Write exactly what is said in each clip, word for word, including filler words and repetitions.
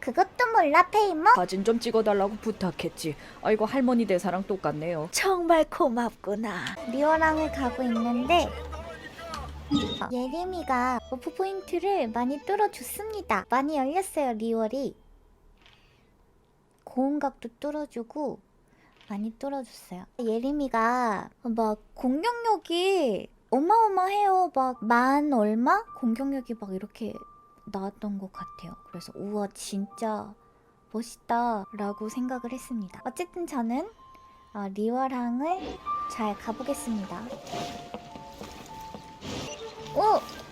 그것도 몰라, 페이몬? 사진 좀 찍어달라고 부탁했지. 아이고 할머니 대사랑 똑같네요. 정말 고맙구나. 리오랑을 가고 있는데 예림이가 버프 포인트를 많이 뚫어줬습니다. 많이 열렸어요, 리월이. 고음각도 뚫어주고 많이 뚫어줬어요. 예림이가 막 공격력이 어마어마해요. 막 만 얼마? 공격력이 막 이렇게 나왔던 것 같아요. 그래서 우와 진짜 멋있다 라고 생각을 했습니다. 어쨌든 저는 어, 리월항을 잘 가보겠습니다. 오!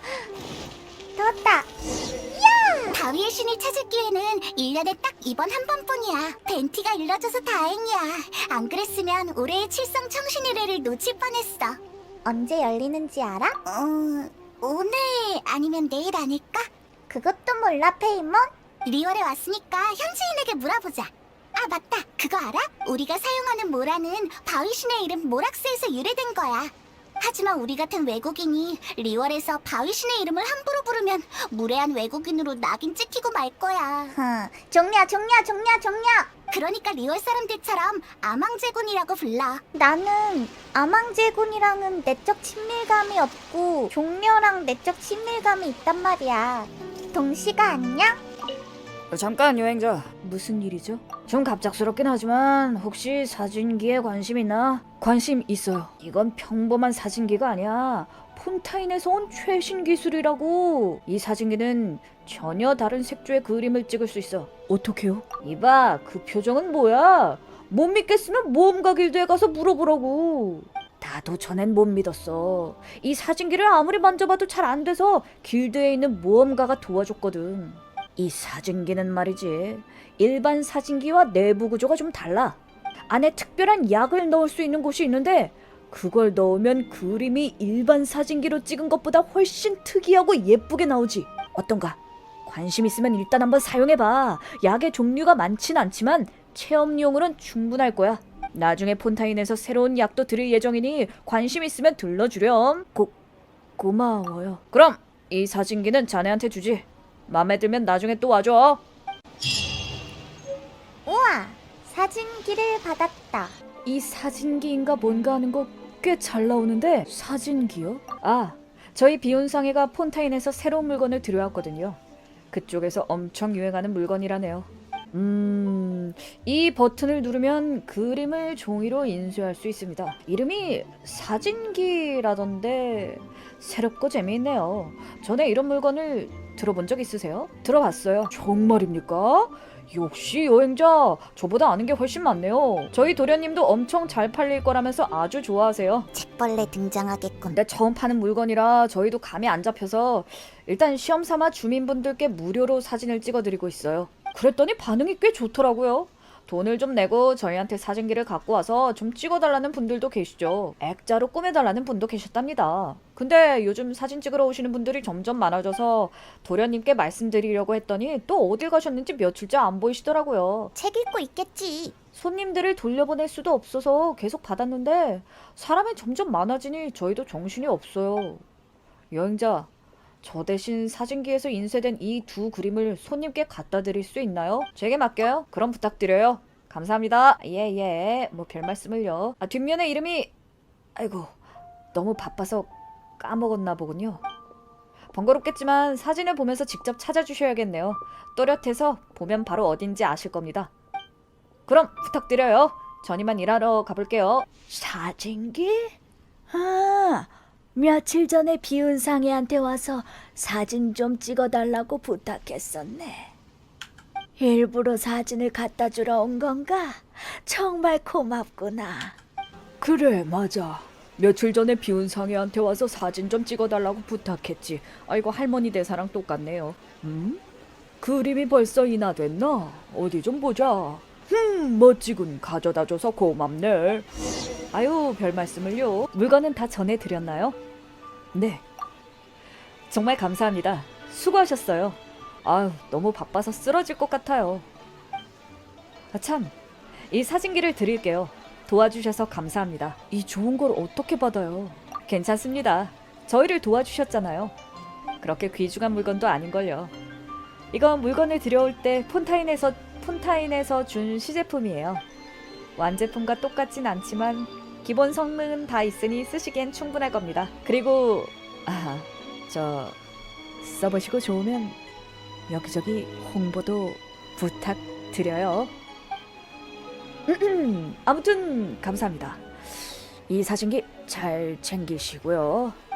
떴다! 바위의 신을 찾을 기회는 일 년에 딱 이번 한 번뿐이야. 벤티가 일러줘서 다행이야. 안 그랬으면 올해의 칠성 청신의뢰를 놓칠 뻔했어. 언제 열리는지 알아? 어... 오늘 아니면 내일 아닐까? 그것도 몰라, 페이몬? 리월에 왔으니까 현지인에게 물어보자. 아 맞다, 그거 알아? 우리가 사용하는 모라는 바위신의 이름 모락스에서 유래된 거야. 하지만 우리 같은 외국인이 리월에서 바위신의 이름을 함부로 부르면 무례한 외국인으로 낙인 찍히고 말 거야. 흥, 종려, 종려, 종려, 종려! 그러니까 리월 사람들처럼 아망제군이라고 불러. 나는 아망제군이랑은 내적 친밀감이 없고 종려랑 내적 친밀감이 있단 말이야. 동시가 안녕? 잠깐 여행자, 무슨 일이죠? 좀 갑작스럽긴 하지만 혹시 사진기에 관심 있나? 관심 있어요. 이건 평범한 사진기가 아니야. 폰타인에서 온 최신 기술이라고. 이 사진기는 전혀 다른 색조의 그림을 찍을 수 있어. 어떻게요? 이봐, 그 표정은 뭐야? 못 믿겠으면 모험가 길드에 가서 물어보라고. 나도 전엔 못 믿었어. 이 사진기를 아무리 만져봐도 잘 안 돼서 길드에 있는 모험가가 도와줬거든. 이 사진기는 말이지, 일반 사진기와 내부 구조가 좀 달라. 안에 특별한 약을 넣을 수 있는 곳이 있는데 그걸 넣으면 그림이 일반 사진기로 찍은 것보다 훨씬 특이하고 예쁘게 나오지. 어떤가? 관심 있으면 일단 한번 사용해봐. 약의 종류가 많진 않지만 체험용으로는 충분할 거야. 나중에 폰타인에서 새로운 약도 들을 예정이니 관심 있으면 들러주렴. 고, 고마워요. 그럼 이 사진기는 자네한테 주지. 맘에 들면 나중에 또 와줘. 우와! 사진기를 받았다. 이 사진기인가 뭔가 하는 거 꽤 잘 나오는데. 사진기요? 아, 저희 비운상회가 폰타인에서 새로운 물건을 들여왔거든요. 그쪽에서 엄청 유행하는 물건이라네요. 음... 이 버튼을 누르면 그림을 종이로 인쇄할 수 있습니다. 이름이 사진기라던데 새롭고 재미있네요. 전에 이런 물건을 들어본 적 있으세요? 들어봤어요. 정말입니까? 역시 여행자, 저보다 아는 게 훨씬 많네요. 저희 도련님도 엄청 잘 팔릴 거라면서 아주 좋아하세요. 책벌레 등장하겠군. 근데 처음 파는 물건이라 저희도 감이 안 잡혀서 일단 시험 삼아 주민분들께 무료로 사진을 찍어드리고 있어요. 그랬더니 반응이 꽤 좋더라고요. 돈을 좀 내고 저희한테 사진기를 갖고 와서 좀 찍어달라는 분들도 계시죠. 액자로 꾸며달라는 분도 계셨답니다. 근데 요즘 사진 찍으러 오시는 분들이 점점 많아져서 도련님께 말씀드리려고 했더니 또 어딜 가셨는지 며칠째 안 보이시더라고요. 책 읽고 있겠지. 손님들을 돌려보낼 수도 없어서 계속 받았는데 사람이 점점 많아지니 저희도 정신이 없어요. 여행자, 저 대신 사진기에서 인쇄된 이 두 그림을 손님께 갖다 드릴 수 있나요? 제게 맡겨요. 그럼 부탁드려요. 감사합니다. 예예, 예. 뭐 별 말씀을요. 아, 뒷면에 이름이... 아이고, 너무 바빠서 까먹었나 보군요. 번거롭겠지만 사진을 보면서 직접 찾아주셔야겠네요. 또렷해서 보면 바로 어딘지 아실 겁니다. 그럼 부탁드려요. 전 이만 일하러 가볼게요. 사진기? 아, 며칠 전에 비운상회한테 와서 사진 좀 찍어달라고 부탁했었네. 일부러 사진을 갖다 주러 온 건가? 정말 고맙구나. 그래, 맞아. 며칠 전에 비운상회한테 와서 사진 좀 찍어달라고 부탁했지. 아이고 할머니 대사랑 똑같네요. 음? 그림이 벌써 인화됐나? 어디 좀 보자. 흠, 멋지군. 가져다줘서 고맙네. 아유, 별 말씀을요. 물건은 다 전해드렸나요? 네. 정말 감사합니다. 수고하셨어요. 아유, 너무 바빠서 쓰러질 것 같아요. 아, 참. 이 사진기를 드릴게요. 도와주셔서 감사합니다. 이 좋은 걸 어떻게 받아요? 괜찮습니다. 저희를 도와주셨잖아요. 그렇게 귀중한 물건도 아닌걸요. 이건 물건을 들여올 때 폰타인에서 폰타인에서 준 시제품이에요. 완제품과 똑같진 않지만 기본 성능은 다 있으니 쓰시기엔 충분할 겁니다. 그리고 아, 저 써보시고 좋으면 여기저기 홍보도 부탁드려요. 아무튼 감사합니다. 이 사진기 잘 챙기시고요.